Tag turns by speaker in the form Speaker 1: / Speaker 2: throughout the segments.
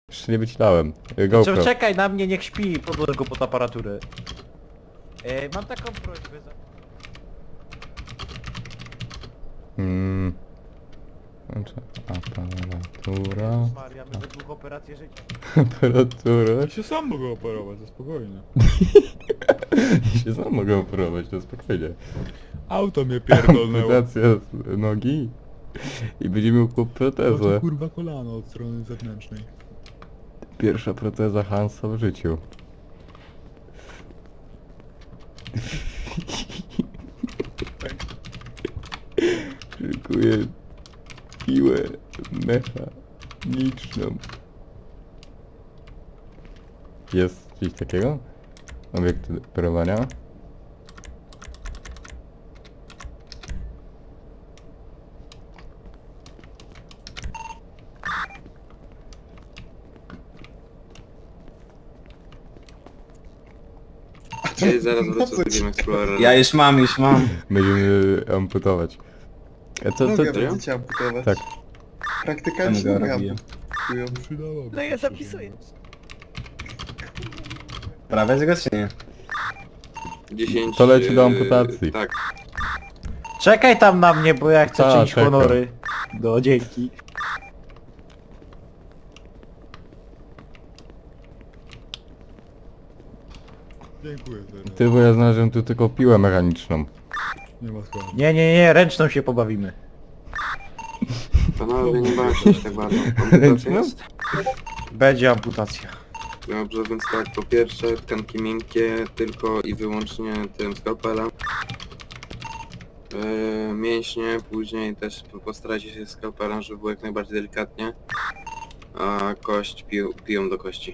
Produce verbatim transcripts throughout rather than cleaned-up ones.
Speaker 1: Jeszcze nie wycinałem.
Speaker 2: Co,
Speaker 1: GoPro.
Speaker 2: czekaj na mnie, niech śpi, podłożę go pod aparaturę. E, mam taką prośbę za...
Speaker 1: Hmm. Znaczy, aparatura.
Speaker 2: Maria, my we dwóch operację życia.
Speaker 1: Aparatura.
Speaker 3: Ja się sam mogę operować, to spokojnie.
Speaker 1: I się sam mogę operować, to spokojnie.
Speaker 3: Auto mnie pierdolnęło.
Speaker 1: Amputacja z nogi. I będzie miał chłop
Speaker 3: To
Speaker 1: protezę.
Speaker 3: kurwa kolano od strony zewnętrznej.
Speaker 1: Pierwsza proteza Hansa w życiu. Szykuję piłę mechaniczną. Jest coś takiego? Obiekt operowania?
Speaker 4: Ej, zaraz wrócę z Game Explorer.
Speaker 5: Ja już mam, już mam.
Speaker 1: Będziemy amputować. A co, co,
Speaker 6: Nogę
Speaker 1: co?
Speaker 6: będziecie amputować.
Speaker 1: Tak.
Speaker 6: Praktykanci
Speaker 5: Nogę
Speaker 6: nogę
Speaker 5: robię.
Speaker 6: amputują.
Speaker 3: Przydałoby
Speaker 7: No ja
Speaker 3: się,
Speaker 7: zapisuję.
Speaker 5: Prawie go czy nie?
Speaker 4: dziesięć...
Speaker 1: To leci do
Speaker 4: e,
Speaker 1: amputacji.
Speaker 4: Tak.
Speaker 2: Czekaj tam na mnie, bo ja chcę
Speaker 1: Ta,
Speaker 2: czynić
Speaker 1: czekam.
Speaker 2: honory. No, dzięki.
Speaker 3: Dziękuję teraz.
Speaker 1: Ty, bo ja znalazłem tu tylko piłę mechaniczną.
Speaker 3: Nie ma sprawy.
Speaker 2: Nie, nie, nie, ręczną się pobawimy.
Speaker 4: Panowie, nie bawcie się tak bardzo. Amputacja jest?
Speaker 2: Będzie amputacja.
Speaker 4: Dobrze, więc tak, po pierwsze tkanki miękkie tylko i wyłącznie tym skalpelem. Yy, mięśnie, później też postarajcie się skalpelem, żeby było jak najbardziej delikatnie. A kość pił, piją do kości.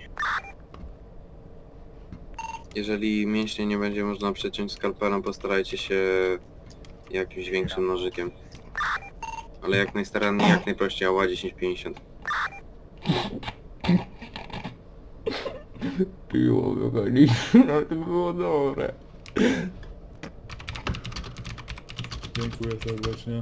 Speaker 4: Jeżeli mięśnie nie będzie można przeciąć skalpelem, postarajcie się jakimś większym nożykiem. Ale jak najstaranniej, jak najprościej, ała dziesięć pięćdziesiąt.
Speaker 1: Piło mechaniczne, to było dobre.
Speaker 3: Dziękuję serdecznie.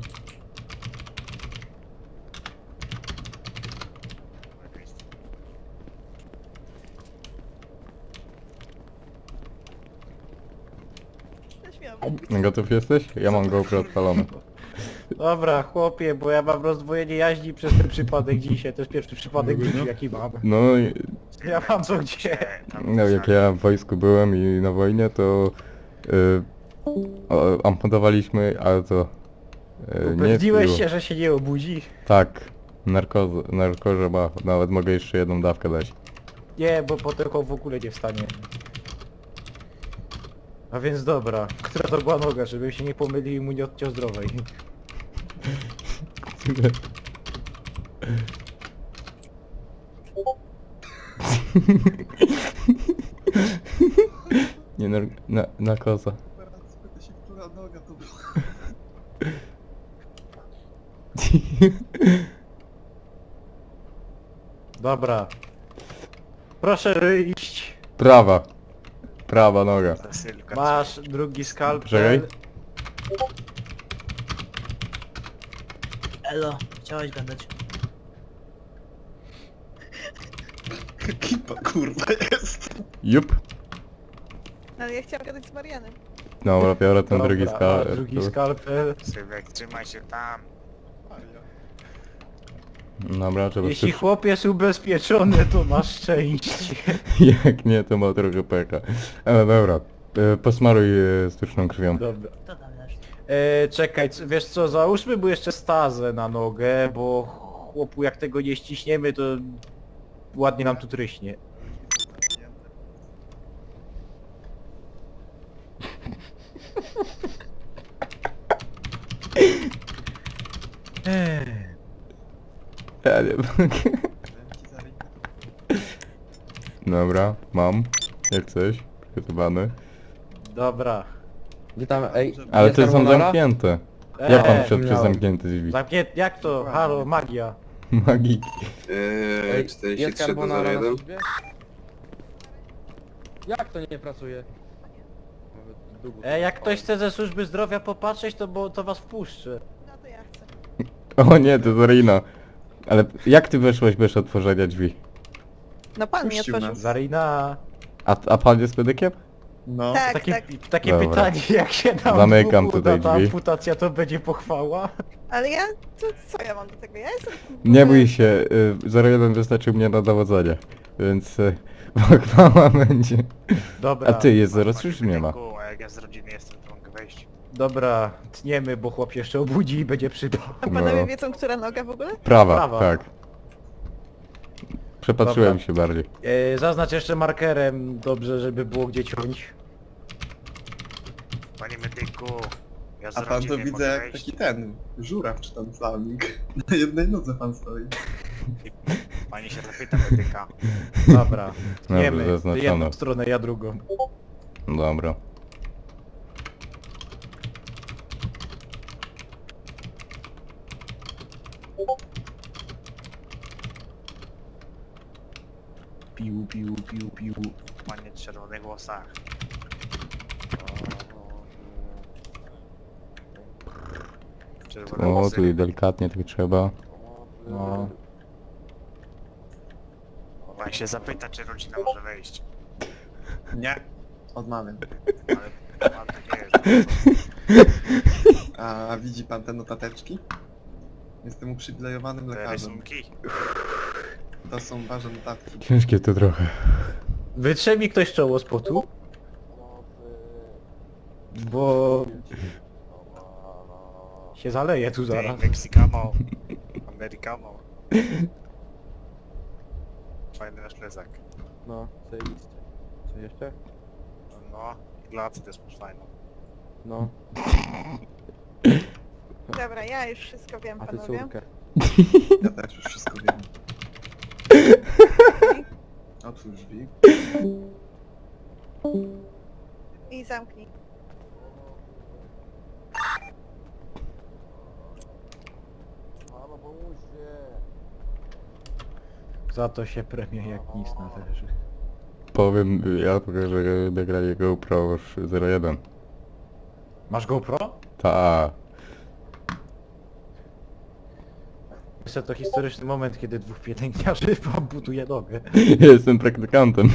Speaker 7: Zaśmiałam.
Speaker 1: Gotów jesteś? Ja mam GoPro odpalone.
Speaker 2: Dobra, chłopie, bo ja mam rozdwojenie jaźni przez ten przypadek dzisiaj. To jest pierwszy przypadek w życiu, jaki mam.
Speaker 1: No, i-
Speaker 2: Ja mam co gdzie.
Speaker 1: no jak ja w wojsku byłem i na wojnie, to y, o, amputowaliśmy, ale to y, nie
Speaker 2: Upewniłeś
Speaker 1: piło.
Speaker 2: się, że się nie obudzi?
Speaker 1: Tak, narkoza, narkoza ma, nawet mogę jeszcze jedną dawkę dać.
Speaker 2: Nie, bo potem w ogóle nie wstanie. A więc dobra, która to była noga, żeby się nie pomylił i mu nie odciął zdrowej.
Speaker 1: Nie, nar na, narkoza.
Speaker 6: Teraz spytaj się, która noga to była.
Speaker 2: Dobra. Proszę wyjść.
Speaker 1: Prawa. Prawa noga.
Speaker 2: Masz drugi skalpel.
Speaker 1: Czekaj.
Speaker 7: Elo, chciałeś gadać.
Speaker 6: Ekipa kurwa jest.
Speaker 1: Jup.
Speaker 7: Ale ja chciałam gadać z Marianem.
Speaker 1: Dobra, biorę ten
Speaker 2: Dobra,
Speaker 1: drugi
Speaker 2: masz
Speaker 1: skal.
Speaker 2: drugi skalpel.
Speaker 8: Sylwek, trzymaj się tam.
Speaker 1: Dobra, trzeba
Speaker 2: Jeśli
Speaker 1: coś...
Speaker 2: chłop jest ubezpieczony, to masz szczęście.
Speaker 1: Jak nie, to ma trochę pecha. Ale dobra. E, posmaruj e, sztuczną krwią.
Speaker 2: Dobra.
Speaker 7: Co tam dasz?
Speaker 2: E, czekaj, c- wiesz co, załóżmy mu jeszcze stazę na nogę, bo chłopu jak tego nie ściśniemy, to ładnie nam tu tryśnie. Ech.
Speaker 1: Ja nie mogę. Dobra, mam. Jak coś. Przygotowany.
Speaker 2: Dobra.
Speaker 5: Gdzie tam, ej,
Speaker 1: Ale
Speaker 5: jest
Speaker 1: te są
Speaker 5: carbonara?
Speaker 1: zamknięte. Jak pan
Speaker 2: Eee,
Speaker 1: wszedł przez
Speaker 5: miałem.
Speaker 1: zamknięte drzwi?
Speaker 2: Zamknię... Jak to? Halo, magia.
Speaker 1: Magii.
Speaker 4: Yy,
Speaker 5: Ej, jest
Speaker 4: czterdzieści trzy do
Speaker 5: carbonara
Speaker 4: zero
Speaker 5: na
Speaker 4: jeden.
Speaker 5: służbie? Jak to nie pracuje? Nawet długo
Speaker 2: E, jak
Speaker 5: to
Speaker 2: ktoś chce ze służby zdrowia popatrzeć, to bo to was wpuszczę.
Speaker 7: No to ja chcę.
Speaker 1: O nie, to Zarina. Ale jak ty weszłeś bez otworzenia drzwi?
Speaker 7: No pan mi
Speaker 6: Puścił
Speaker 7: otworzył.
Speaker 6: nas.
Speaker 2: Zarina.
Speaker 1: A, a pan jest medykiem?
Speaker 6: No.
Speaker 7: Tak,
Speaker 2: Takie,
Speaker 7: tak.
Speaker 2: takie
Speaker 1: Dobra.
Speaker 2: pytanie, jak się nam
Speaker 1: Zamykam
Speaker 2: uda
Speaker 1: tutaj
Speaker 2: ta
Speaker 1: drzwi.
Speaker 2: amputacja, to będzie pochwała?
Speaker 7: Ale ja, to co ja mam do tego? Ja jestem...
Speaker 1: Nie bój się, y, zero jeden wystarczył mnie na dowodzenie, więc y, pochwała będzie.
Speaker 2: Dobra,
Speaker 1: A ty, jest zero trzy czy nie ma?
Speaker 8: A jak ja z rodziny jestem, to mogę wejść.
Speaker 2: dobra, tniemy, bo chłop się jeszcze obudzi i będzie przydał.
Speaker 7: A panowie
Speaker 1: No.
Speaker 7: wiedzą, która noga w ogóle?
Speaker 1: Prawa,
Speaker 2: Prawa.
Speaker 1: tak. Przepatrzyłem
Speaker 2: Dobra.
Speaker 1: się bardziej.
Speaker 2: E, zaznacz jeszcze markerem, dobrze, żeby było gdzie ciąć.
Speaker 8: Panie medyku, ja z
Speaker 6: A pan to
Speaker 8: rodziny
Speaker 6: widzę
Speaker 8: mogę
Speaker 6: jak
Speaker 8: wejść.
Speaker 6: taki ten, żuraw czy tam samik. Na jednej nodze pan stoi.
Speaker 8: Pani się zapyta medyka.
Speaker 2: Dobra, tniemy. Ty
Speaker 1: zaznaczone.
Speaker 2: jedną stronę, ja drugą.
Speaker 1: Dobra.
Speaker 2: Piu, piu, piu, piu.
Speaker 8: Panie w czerwonych włosach. Czerwone
Speaker 1: O,
Speaker 8: włosy.
Speaker 1: tu delikatnie tak trzeba.
Speaker 2: No.
Speaker 8: Pan się zapyta, czy rodzina może wejść.
Speaker 6: Nie. Odmawiam.
Speaker 8: Ale pan tak nie jest.
Speaker 6: A widzi pan te notateczki? Jestem uprzywilejowanym
Speaker 8: Te
Speaker 6: lekarzem.
Speaker 8: rysunki.
Speaker 6: To są ważne notatki.
Speaker 1: Ciężkie to trochę.
Speaker 2: Wytrze mi ktoś czoło z potu? Bo... się zaleje tu zaraz.
Speaker 8: Mexicano. Americano. Fajny nasz plecak.
Speaker 5: No, zajebiście. Co jeszcze?
Speaker 8: No, glacy też masz fajną.
Speaker 5: No,
Speaker 7: Dobra, ja już wszystko wiem,
Speaker 5: a ty
Speaker 7: panowie.
Speaker 5: córkę.
Speaker 6: Ja też już wszystko wiem. Otwórz drzwi.
Speaker 7: I zamknij.
Speaker 2: Za to się premie jak nic należy.
Speaker 1: Powiem, ja pokażę nagranie GoPro już zero jeden.
Speaker 2: Masz GoPro?
Speaker 1: Ta.
Speaker 2: Jeszcze to historyczny moment, kiedy dwóch pielęgniarzy amputuje nogę.
Speaker 1: Ja jestem praktykantem.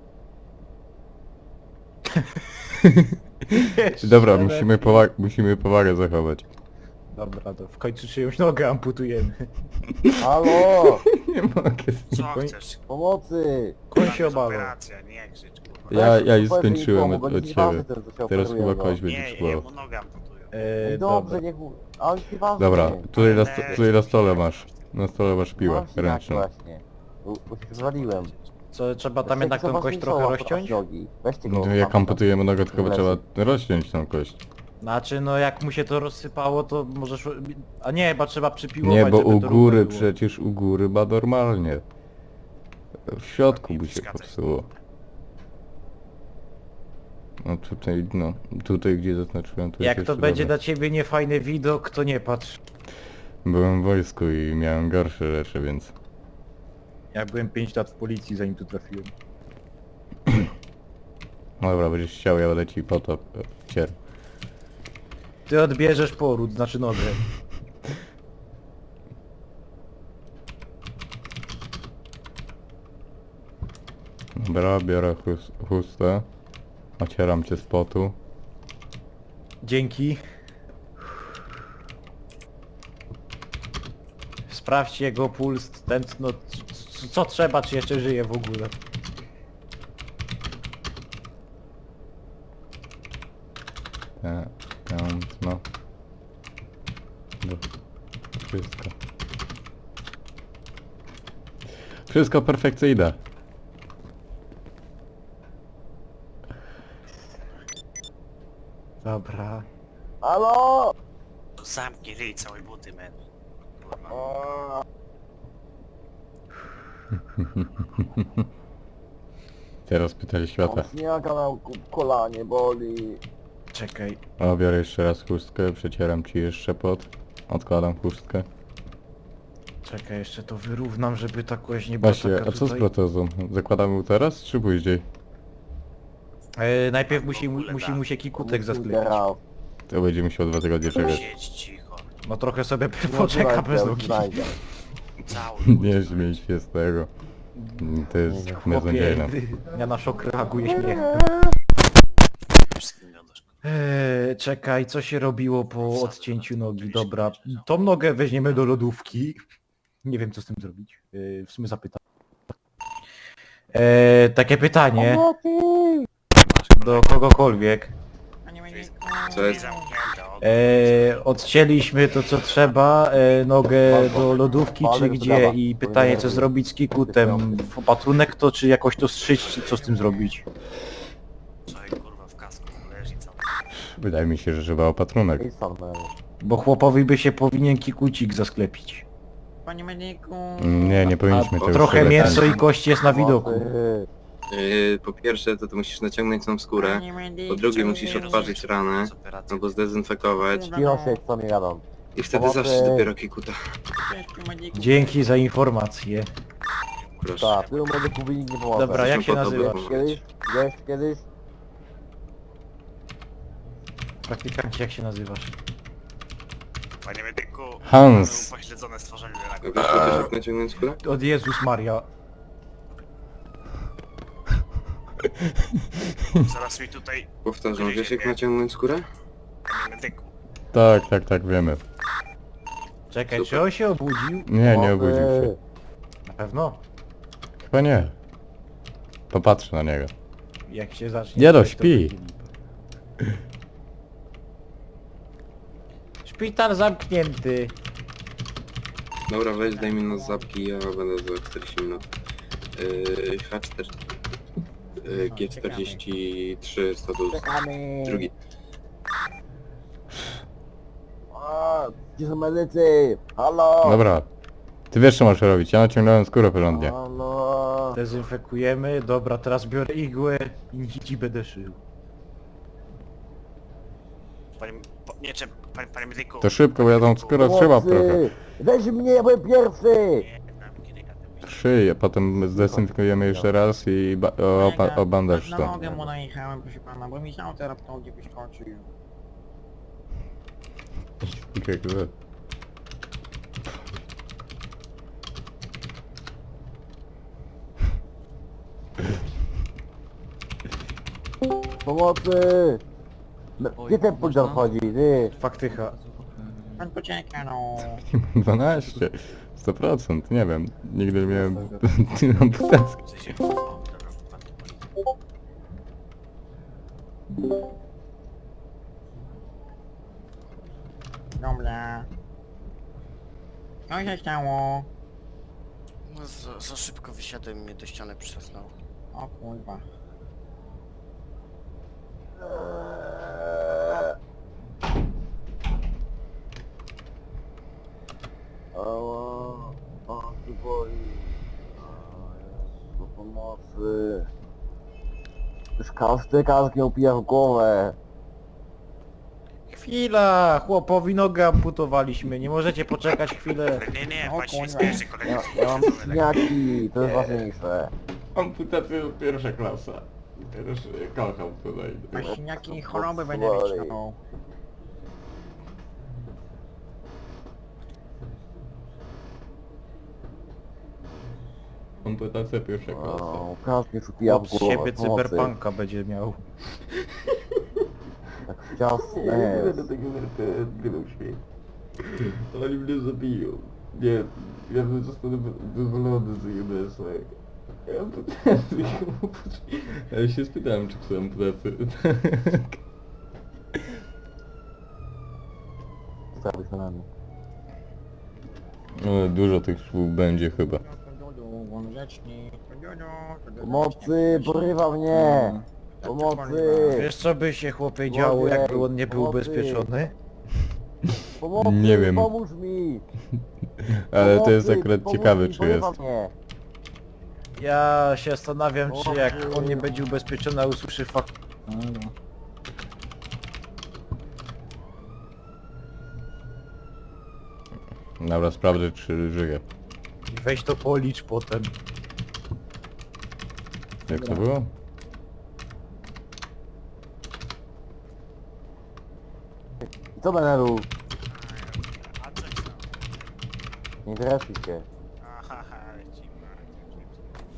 Speaker 1: Dobra,
Speaker 2: Jeszcze
Speaker 1: musimy,
Speaker 2: lepiej.
Speaker 1: powa musimy powagę zachować.
Speaker 2: Dobra, to w końcu czyjąś nogę amputujemy.
Speaker 5: Halo!
Speaker 1: Nie mogę.
Speaker 8: Co
Speaker 2: Koń-
Speaker 8: chcesz?
Speaker 5: Pomocy!
Speaker 2: Koń
Speaker 8: Tam
Speaker 2: się
Speaker 8: jest
Speaker 2: obawiał.
Speaker 8: operacja, nie krzycz, kurwa.
Speaker 1: Ja, ja już
Speaker 5: Powiedz mi,
Speaker 1: skończyłem
Speaker 5: pomógł,
Speaker 1: od,
Speaker 5: oni
Speaker 1: od
Speaker 5: nieważne
Speaker 1: ciebie.
Speaker 5: teraz, co się
Speaker 1: Teraz
Speaker 5: operują,
Speaker 1: chyba
Speaker 5: no.
Speaker 1: kość będzie
Speaker 8: Nie,
Speaker 1: szło.
Speaker 8: jemu nogę amputują.
Speaker 2: E,
Speaker 5: Dobrze,
Speaker 2: dobra.
Speaker 5: niech... Ale nieważne.
Speaker 1: Dobra, tutaj na, sto tutaj na stole masz. Na stole masz piłę
Speaker 5: Mam sinak
Speaker 1: ręczną.
Speaker 5: właśnie. Bo bo się zwaliłem.
Speaker 2: Co, trzeba tam
Speaker 5: Weźcie
Speaker 2: jednak tą
Speaker 5: jakiś
Speaker 2: kość
Speaker 5: zobaczmy
Speaker 2: trochę
Speaker 5: soła,
Speaker 2: rozciąć?
Speaker 5: nogi. Weźcie go.
Speaker 1: No, jak
Speaker 5: tam,
Speaker 1: amputujemy nogę, tylko
Speaker 5: leży.
Speaker 1: trzeba rozciąć tą kość.
Speaker 2: Znaczy, no jak mu się to rozsypało, to możesz... A nie, chyba trzeba przypiłować,
Speaker 1: Nie, bo
Speaker 2: żeby
Speaker 1: u
Speaker 2: to
Speaker 1: góry
Speaker 2: równo było.
Speaker 1: przecież u góry ma normalnie. W środku by się popsuło. No tutaj, no, tutaj gdzie zaznaczyłem, to jest
Speaker 2: Jak to
Speaker 1: jeszcze
Speaker 2: będzie
Speaker 1: dobre.
Speaker 2: dla ciebie niefajny widok, to nie patrz.
Speaker 1: Byłem w wojsku i miałem gorsze rzeczy, więc...
Speaker 2: Ja byłem pięć lat w policji, zanim tu trafiłem.
Speaker 1: Dobra, będziesz chciał, ja będę ci po to cier.
Speaker 2: Ty odbierzesz poród, znaczy nogę.
Speaker 1: Dobra, biorę chus chustę. Ocieram cię z potu.
Speaker 2: Dzięki. Sprawdźcie jego puls, tętno, c- c- co trzeba, czy jeszcze żyje w ogóle.
Speaker 1: E, Tętno. Do- Wszystko. Wszystko perfekcyjne.
Speaker 2: Dobra.
Speaker 5: Halo!
Speaker 8: To zamknij ryj całej buty, men. Kurwa.
Speaker 5: O,
Speaker 1: Teraz pytali świata.
Speaker 5: mam śniaka na ko- kolanie, boli.
Speaker 2: Czekaj.
Speaker 1: O, biorę jeszcze raz chustkę, przecieram ci jeszcze pot. Odkładam chustkę.
Speaker 2: Czekaj, jeszcze to wyrównam, żeby ta kość nie była
Speaker 1: Właśnie,
Speaker 2: taka
Speaker 1: a co z
Speaker 2: tutaj...
Speaker 1: protezą? Zakładamy ją teraz, czy później?
Speaker 2: E, najpierw musi,
Speaker 8: W
Speaker 2: mu,
Speaker 8: ogóle
Speaker 2: musi
Speaker 8: da.
Speaker 2: mu się kikutek
Speaker 5: Get
Speaker 2: zasklepić.
Speaker 5: out.
Speaker 1: To będzie musiał dwa tygodnie czekać.
Speaker 8: Siedź cicho.
Speaker 2: No trochę sobie
Speaker 5: No,
Speaker 2: poczeka
Speaker 5: znajdę,
Speaker 2: bez nogi.
Speaker 5: znajdę.
Speaker 8: Cały
Speaker 1: Nie śmiej się z tego. To jest beznadziejne.
Speaker 2: Ja na szok reaguję śmiechem.
Speaker 8: Wszystkim gadasz.
Speaker 2: Eee, czekaj, co się robiło po odcięciu nogi? Dobra, tą nogę weźmiemy do lodówki. Nie wiem, co z tym zrobić. Eee, w sumie zapytam. Eee, takie pytanie do kogokolwiek.
Speaker 4: Co jest?
Speaker 2: Eee, odcięliśmy to, co trzeba, eee, nogę do lodówki, czy gdzie? I pytanie, co zrobić z kikutem? Opatrunek to, czy jakoś to strzyć, czy co z tym zrobić?
Speaker 8: Człowiek kurwa w kasku leży cały.
Speaker 1: Wydaje mi się, że trzeba opatrunek.
Speaker 5: I sam będę.
Speaker 2: Bo chłopowi by się powinien kikucik zasklepić.
Speaker 9: Panie medyku.
Speaker 1: Nie, nie powinniśmy
Speaker 4: A,
Speaker 1: tego
Speaker 2: Trochę
Speaker 1: używać.
Speaker 2: mięso i kość jest na widoku.
Speaker 5: Pomocy.
Speaker 4: Yy, po pierwsze to, to musisz naciągnąć tą skórę,
Speaker 9: Panie medyku.
Speaker 4: po drugie musisz odparzyć ranę,
Speaker 8: Z operacji.
Speaker 4: albo zdezynfekować
Speaker 5: Cicho się, co mi jadą.
Speaker 4: i wtedy
Speaker 5: Pomocy.
Speaker 4: zawsze dopiero kikuta.
Speaker 2: Dzięki za informację.
Speaker 4: Proszę.
Speaker 5: Tak, tylu medyków by nikt nie pomogł.
Speaker 2: Dobra, jak się
Speaker 4: po to
Speaker 2: nazywasz?
Speaker 4: było.
Speaker 5: Kiedyś? Wiesz kiedyś?
Speaker 2: Praktykancie, jak się nazywasz?
Speaker 8: Panie medyku,
Speaker 1: Hans.
Speaker 8: mamy upośledzone stworzenie
Speaker 4: A
Speaker 8: raku.
Speaker 4: wiesz też jak naciągnąć skórę?
Speaker 2: Od Jezus Maria.
Speaker 8: Zaraz mi tutaj,
Speaker 4: Powtarzam, wiesz jak naciągnąć skórę?
Speaker 8: panie medyku.
Speaker 1: Tak, tak, tak, wiemy.
Speaker 2: Czekaj,
Speaker 4: Super.
Speaker 2: czy on się obudził?
Speaker 1: Nie, nie
Speaker 5: Pomocy.
Speaker 1: obudził się.
Speaker 2: Na pewno.
Speaker 1: Chyba nie. Popatrzę na niego.
Speaker 2: Jak się zacznie...
Speaker 1: Nie no,
Speaker 2: coś, to
Speaker 1: śpi.
Speaker 2: będzie lipa. Szpital zamknięty.
Speaker 4: Dobra, weź daj mi nos zapki, ja będę za czterdzieści minut. Yy, H cztery... Yy, G czterdzieści trzy status
Speaker 5: Czekamy.
Speaker 4: drugi.
Speaker 5: A, gdzie są medycy? Halo?
Speaker 1: Dobra. Ty wiesz co masz robić, ja naciągnąłem skórę porządnie.
Speaker 5: Halo?
Speaker 2: Dezynfekujemy. Dobra, teraz biorę igłę i nici będę szył.
Speaker 8: Panie, po, nie, czy, panie, panie medyku.
Speaker 1: To szybko, bo ja tą skórę trzymam trochę.
Speaker 5: Pomocy. Weź mnie, ja byłem pierwszy!
Speaker 8: Nie, znam kiedy gadam.
Speaker 1: Szyj, a potem zdezynfekujemy jeszcze raz i ba o, opa- obandaż
Speaker 9: Na
Speaker 1: to.
Speaker 9: nogę mu najechałem, proszę pana, bo mi sam teraz nogi wyskoczył.
Speaker 5: Pomocy! Me- Gdzie ten podział chodzi, ty?
Speaker 2: Faktycha.
Speaker 9: Pan poczeka, no.
Speaker 1: dwanaście. sto procent, nie wiem. Nigdy nie miałem tyle amputacji.
Speaker 8: W sensie, o, dobra, pan to boli.
Speaker 9: Dobra. Co się stało?
Speaker 10: No, za, za szybko wysiadłem i mnie do ściany przysnął.
Speaker 9: O kurwa.
Speaker 5: Ała, o, ty boli. O, Jezu, pomocy. Już każdy każdy upija w głowę.
Speaker 2: Chwila! Chłopowi nogę amputowaliśmy. Nie możecie poczekać chwilę.
Speaker 8: Nie, nie,
Speaker 9: O
Speaker 8: pan się nie
Speaker 9: kurwa.
Speaker 8: spieszy,
Speaker 5: Ja,
Speaker 8: kolega.
Speaker 5: ja mam śniaki, to jest ważniejsze.
Speaker 1: Amputacja jest pierwsza klasa. Też kocham tutaj.
Speaker 9: Masz siniaki i choroby będę
Speaker 5: Boli.
Speaker 9: wyciągnął.
Speaker 1: Amputacja pierwsza klasa.
Speaker 5: O, każdy już upija w
Speaker 2: Od
Speaker 5: głowę.
Speaker 2: siebie
Speaker 5: Pomocy.
Speaker 2: cyberpunka będzie miał.
Speaker 5: Tak ciasne jest.
Speaker 1: tego gdybym śmiał. Oni mnie zabiją. Nie, ja zostanę wyzwolony z U B S A. Amputację. Ja się spytałem, czy chcę amputację.
Speaker 5: Stawić na nami.
Speaker 1: No, dużo tych szwów będzie chyba.
Speaker 5: Pomocy, porywa mnie! Pomocy!
Speaker 2: Wiesz co by się chłopie działo, jakby on nie był
Speaker 5: Pomocy.
Speaker 2: ubezpieczony?
Speaker 5: Pomocy,
Speaker 1: Nie wiem.
Speaker 5: pomóż mi!
Speaker 1: Ale to jest
Speaker 5: Pomocy,
Speaker 1: akurat
Speaker 5: pomóż
Speaker 1: ciekawe,
Speaker 5: mi,
Speaker 1: czy
Speaker 5: porywa
Speaker 1: jest.
Speaker 5: Mnie.
Speaker 2: Ja się zastanawiam, czy jak on nie będzie ubezpieczony, a usłyszy fakt...
Speaker 1: Dobra, sprawdzę, czy żyje.
Speaker 2: Weź to policz potem.
Speaker 1: Jak to było?
Speaker 5: Co będę robił?
Speaker 8: A coś tam.
Speaker 5: Nie interesuj się.
Speaker 8: Aha, lecimy.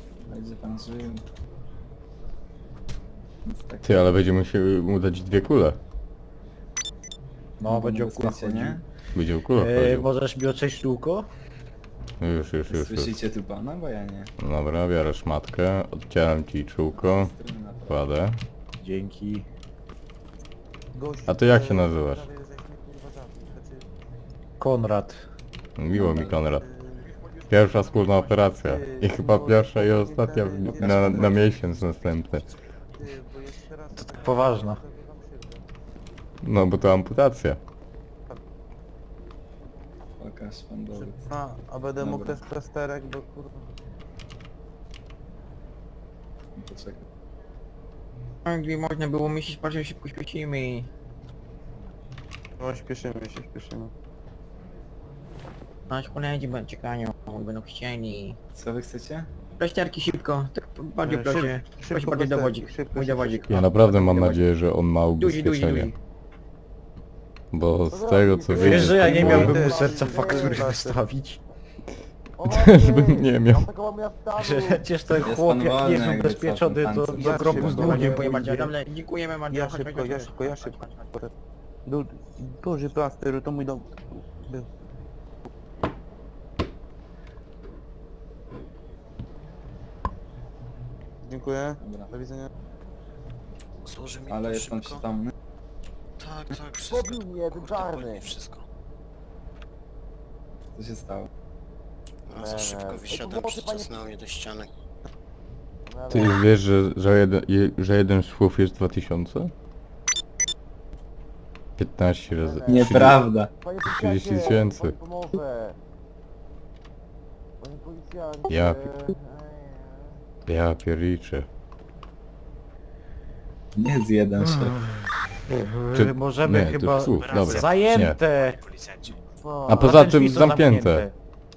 Speaker 11: będzie pan żył. Więc tak
Speaker 1: Ty, ale będziemy musieli mu dać dwie kule.
Speaker 2: No, będzie
Speaker 11: bezpiecznie,
Speaker 2: okuła
Speaker 11: nie?
Speaker 1: Będzie w kulę
Speaker 2: e,
Speaker 1: chodził.
Speaker 2: Możesz mi oczyść szkółko?
Speaker 1: Już, już, już, już.
Speaker 11: Słyszycie tu pana? Bo ja nie.
Speaker 1: Dobra, biorę szmatkę, odcieram ci czółko,
Speaker 11: Strony na to.
Speaker 1: kładę.
Speaker 2: Dzięki.
Speaker 1: A ty jak się nazywasz?
Speaker 2: Konrad.
Speaker 1: Miło mi, Konrad. Pierwsza wspólna operacja. I chyba pierwsza i ostatnia w- na, na miesiąc następny.
Speaker 2: To tak poważna.
Speaker 1: No bo to amputacja.
Speaker 11: Pokaż pan dowód.
Speaker 5: A, a będę mógł
Speaker 11: Dobra.
Speaker 5: też plasterek, bo kurwa...
Speaker 11: Poczekaj.
Speaker 9: Gdy można było myśleć, bardzo szybko śpieszymy.
Speaker 5: No śpieszymy się, śpieszymy.
Speaker 9: Nasz koledzy będą czekają, będą chcieli.
Speaker 11: Co wy chcecie?
Speaker 9: Plasterki szybko, tak bardziej
Speaker 5: E,
Speaker 9: proszę.
Speaker 5: szyb-
Speaker 9: Proszę
Speaker 5: szybko
Speaker 9: bardziej
Speaker 5: plasterki,
Speaker 9: dowodzik,
Speaker 5: szybko,
Speaker 9: mój
Speaker 5: szybko,
Speaker 9: dowodzik.
Speaker 1: Ja naprawdę mam
Speaker 9: Dowodzik.
Speaker 1: nadzieję, że on ma
Speaker 9: Duzi, duzi,
Speaker 1: ubezpieczenie.
Speaker 9: duzi.
Speaker 1: Bo z tego co
Speaker 2: Wiesz, że ja nie
Speaker 1: wiem,
Speaker 2: miałbym
Speaker 5: Ty,
Speaker 2: mu serca
Speaker 5: ty,
Speaker 2: faktury
Speaker 5: ty,
Speaker 2: wystawić?
Speaker 1: Też bym nie miał.
Speaker 2: Że przecież ten
Speaker 11: Jest
Speaker 2: chłop
Speaker 11: pan
Speaker 2: jak
Speaker 11: wolny,
Speaker 2: nie jest
Speaker 11: jakby co,
Speaker 2: ubezpieczony,
Speaker 11: pan
Speaker 2: to
Speaker 11: pan
Speaker 2: do
Speaker 5: ja
Speaker 2: grobu
Speaker 5: szybko,
Speaker 2: z
Speaker 5: ja
Speaker 2: długiem
Speaker 9: Dziękuję bardzo,
Speaker 2: pójdzie.
Speaker 9: dobrze, dziękujemy bardzo.
Speaker 5: Ja
Speaker 9: chodź,
Speaker 5: szybko,
Speaker 9: chodź,
Speaker 5: ja
Speaker 9: chodź,
Speaker 5: szybko, ja
Speaker 9: chodź,
Speaker 5: szybko.
Speaker 9: chodź, chodź.
Speaker 5: Du duży plaster, to mój dom był. Dziękuję,
Speaker 11: Dobra.
Speaker 5: do widzenia.
Speaker 10: Złoży mi
Speaker 11: Ale
Speaker 10: pan
Speaker 11: jest pan
Speaker 10: szybko?
Speaker 11: przytomny?
Speaker 10: Tak, tak, wszystko.
Speaker 5: Pobił mnie, ten
Speaker 10: Kurde,
Speaker 5: czarny.
Speaker 10: boli mnie wszystko.
Speaker 11: Co się stało?
Speaker 10: A za
Speaker 5: Nie,
Speaker 10: szybko
Speaker 5: nie.
Speaker 10: wysiadłem,
Speaker 5: Pomocy, panie-
Speaker 10: przycisnęło mnie do ściany.
Speaker 1: Ty już wiesz, że, że, jeden, je- że jeden szwów jest dwa tysiące? piętnaście razy.
Speaker 11: Nieprawda.
Speaker 5: Panie
Speaker 1: trzydzieści
Speaker 5: policjancie,
Speaker 1: tysięcy.
Speaker 5: pan pomoże. Panie policjancie.
Speaker 1: Ja Ja pierniczę.
Speaker 11: Nie z jeden szef.
Speaker 1: Czy-
Speaker 2: Możemy
Speaker 1: nie, to
Speaker 2: chyba...
Speaker 1: szwów, dobra.
Speaker 2: Zajęte!
Speaker 10: Policjanci.
Speaker 5: Co?
Speaker 1: A poza
Speaker 2: A te drzwi
Speaker 1: tym
Speaker 2: są
Speaker 1: zamknięte.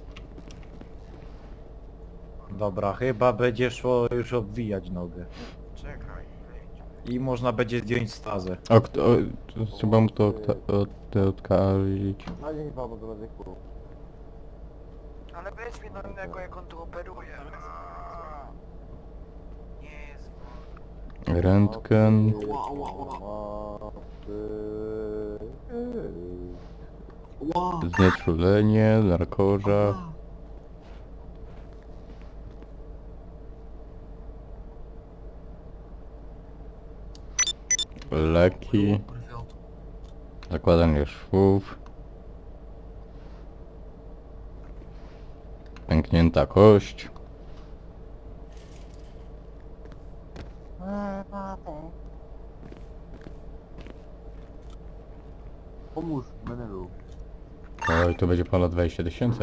Speaker 2: Dobra, chyba będzie szło już obwijać nogę.
Speaker 10: Czekaj, wyjdź.
Speaker 2: I można będzie zdjąć stazę.
Speaker 1: O, kto, o, to trzeba mu to odka- od, odkarlić.
Speaker 5: A nie chyba, bo to będzie kurwa.
Speaker 10: Ale weź mi do innego, jak on tu operuje. Nie jest
Speaker 1: Rentgen. Znieczulenie, narkoza. Leki. Zakładanie szwów. Pęknięta kość.
Speaker 5: Pomóż, Menelu.
Speaker 1: Oj, to będzie ponad dwadzieścia tysięcy.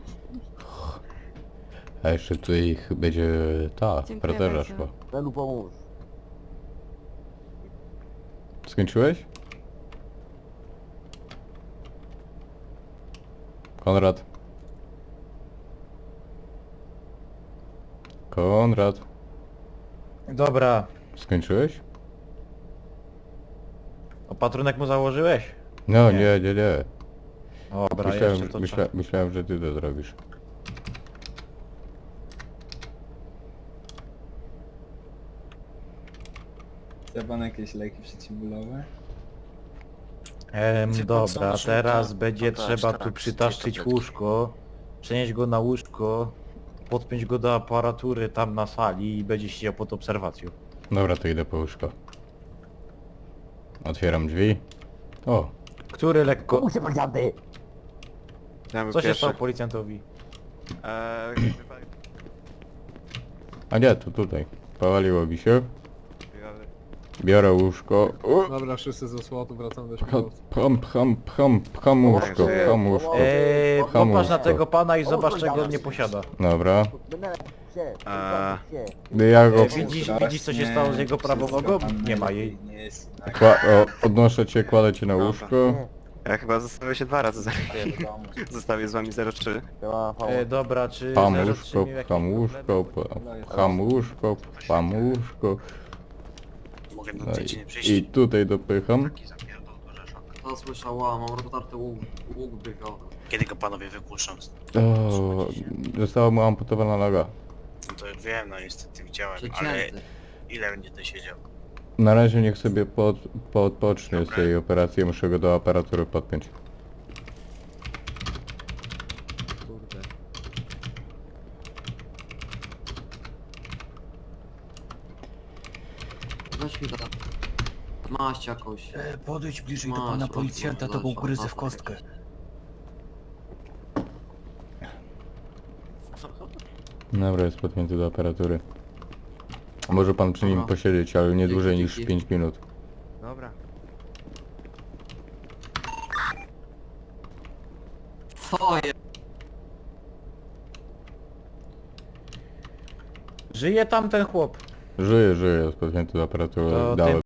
Speaker 1: A jeszcze tutaj ich będzie ta, fraterza szła.
Speaker 5: Menelu, pomóż.
Speaker 1: Skończyłeś? Konrad. Konrad.
Speaker 2: Dobra.
Speaker 1: Skończyłeś?
Speaker 2: Opatrunek mu założyłeś?
Speaker 1: No
Speaker 2: Nie.
Speaker 1: nie, nie, nie.
Speaker 2: Dobra,
Speaker 1: Myślałem,
Speaker 2: jeszcze to
Speaker 1: myśla,
Speaker 2: trzeba.
Speaker 1: myślałem, że ty to zrobisz.
Speaker 11: Chce pan jakieś leki przeciwbólowe?
Speaker 2: Em,
Speaker 10: Wie pan co,
Speaker 2: dobra,
Speaker 10: może
Speaker 2: teraz
Speaker 10: to-
Speaker 2: będzie
Speaker 10: to
Speaker 2: trzeba
Speaker 10: tak,
Speaker 2: tu
Speaker 10: tak,
Speaker 2: przytaszczyć
Speaker 10: tabletki.
Speaker 2: łóżko, przenieść go na łóżko, podpiąć go do aparatury tam na sali i będzie siedział pod obserwacją.
Speaker 1: Dobra, to idę po łóżko. Otwieram drzwi. O,
Speaker 2: Który lekko...
Speaker 5: Pomóżcie, policjanty!
Speaker 2: Co się stało policjantowi?
Speaker 1: a nie, to tutaj. Powaliło mi się. Biorę łóżko. O,
Speaker 3: Dobra, wszyscy ze słotu wracamy do
Speaker 1: pcham,
Speaker 3: śmigłowca.
Speaker 1: pcham, pcham, pcham, pcham łóżko, pcham łóżko.
Speaker 2: Eee,
Speaker 1: Kocham
Speaker 2: popatrz na
Speaker 1: łóżko.
Speaker 2: tego pana i zobacz czego on nie posiada.
Speaker 1: Dobra.
Speaker 5: Menelu, się,
Speaker 10: A.
Speaker 5: się.
Speaker 1: Ja go
Speaker 2: E, widzisz, widzisz co się stało z jego prawą nogą? Nie ma jej.
Speaker 11: Nie jest jednak.
Speaker 1: kła o, podnoszę cię, kładę cię na
Speaker 10: Dobra.
Speaker 1: łóżko.
Speaker 4: Ja chyba zostawię się dwa razy, za...
Speaker 11: do domu.
Speaker 4: zostawię z wami zero trzy.
Speaker 5: Siema, Paweł.
Speaker 2: E, dobra, czy
Speaker 1: Pcham
Speaker 2: zero
Speaker 1: łóżko,
Speaker 2: trzy miał jakieś
Speaker 1: pcham
Speaker 2: problemy?
Speaker 1: łóżko, p- pcham łóżko, pcham łóżko.
Speaker 10: Mogę
Speaker 1: No
Speaker 10: do dziedziny
Speaker 1: i,
Speaker 10: przyjść.
Speaker 1: i tutaj dopycham.
Speaker 10: Taki zapierdol do rzeszok.
Speaker 9: To słyszała, mam rozdarty łuk, łuk brwiowy.
Speaker 10: Kiedy go panowie wypuszczą?
Speaker 1: O, została mu amputowana noga.
Speaker 10: No to
Speaker 8: to wiem, no niestety widziałem, ale ile będzie to siedział?
Speaker 1: Na razie niech sobie pod, podpocznie z tej operacji, muszę go do aparatury podpiąć.
Speaker 11: Kurde.
Speaker 9: Weź mi go tam. Maść jakąś.
Speaker 2: E, podejdź bliżej
Speaker 9: do pana
Speaker 2: policjanta, to go ugryzę w kostkę.
Speaker 1: Dobra, jest podpięty do aparatury. Może pan przy nim posiedzieć, ale nie dłużej niż pięć minut.
Speaker 11: Dobra.
Speaker 9: Co jest?
Speaker 2: Żyje tam ten chłop.
Speaker 1: Żyje, żyje, jest podpięty do aparatury.
Speaker 2: To
Speaker 1: Dałem.